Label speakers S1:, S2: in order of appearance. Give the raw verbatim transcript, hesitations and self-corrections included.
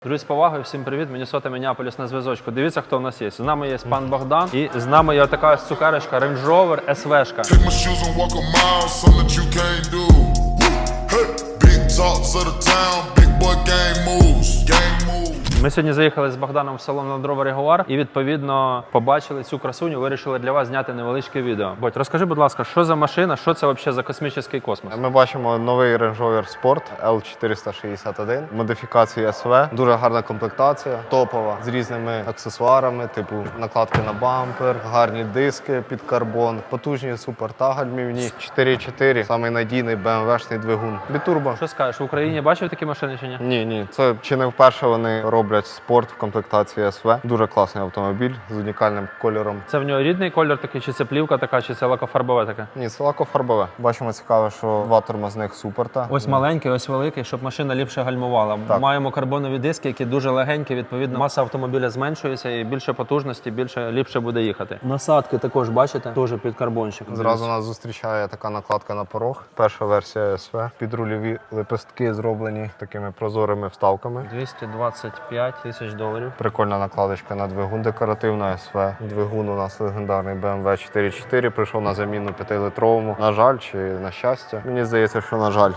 S1: Друзі, з повагою, всім привіт, Міннесота, Міннеаполіс на зв'язочку. Дивіться, хто у нас є. З нами є пан Богдан і з нами є така цукерочка Range Rover ес ве-шка. Ми сьогодні заїхали з Богданом в салон Land Rover Jaguar і, відповідно, побачили цю красуню, вирішили для вас зняти невеличке відео. Бодь, розкажи, будь ласка, що за машина, що це взагалі за космічний космос?
S2: Ми бачимо новий Range Rover Sport ел чотириста шістдесят один, модифікації ес ве, дуже гарна комплектація, топова, з різними аксесуарами, типу накладки на бампер, гарні диски під карбон, потужні супертагальмівні, чотири чотири, самий надійний бе ем ве-шний двигун. Бітурбо.
S1: Що скажеш, в Україні бачив такі машини чи ні?
S2: Ні, ні, це чи не вперше вони роблять спорт в комплектації ес ве. Дуже класний автомобіль з унікальним кольором.
S1: Це в нього рідний кольор такий, чи це плівка така, чи це лакофарбове таке?
S2: Ні, це лакофарбове. Бачимо цікаво, що два тормозних суперта.
S1: Ось маленький, ось великий, щоб машина ліпше гальмувала.
S2: Так.
S1: Маємо карбонові диски, які дуже легенькі, відповідно, маса автомобіля зменшується і більше потужності, більше ліпше буде їхати. Насадки також, бачите, теж під карбончик.
S2: Зразу нас зустрічає така накладка на порог. Перша версія ес ве. Підрульові лепестки зроблені такими прозорими вставками.
S1: двісті двадцять п'ять тисяч доларів.
S2: Прикольна накладочка на двигун, декоративна ес ве. Двигун у нас легендарний бе ем ве чотири чотири, прийшов на заміну п'ятилитровому. На жаль, чи на щастя? Мені здається, що на жаль.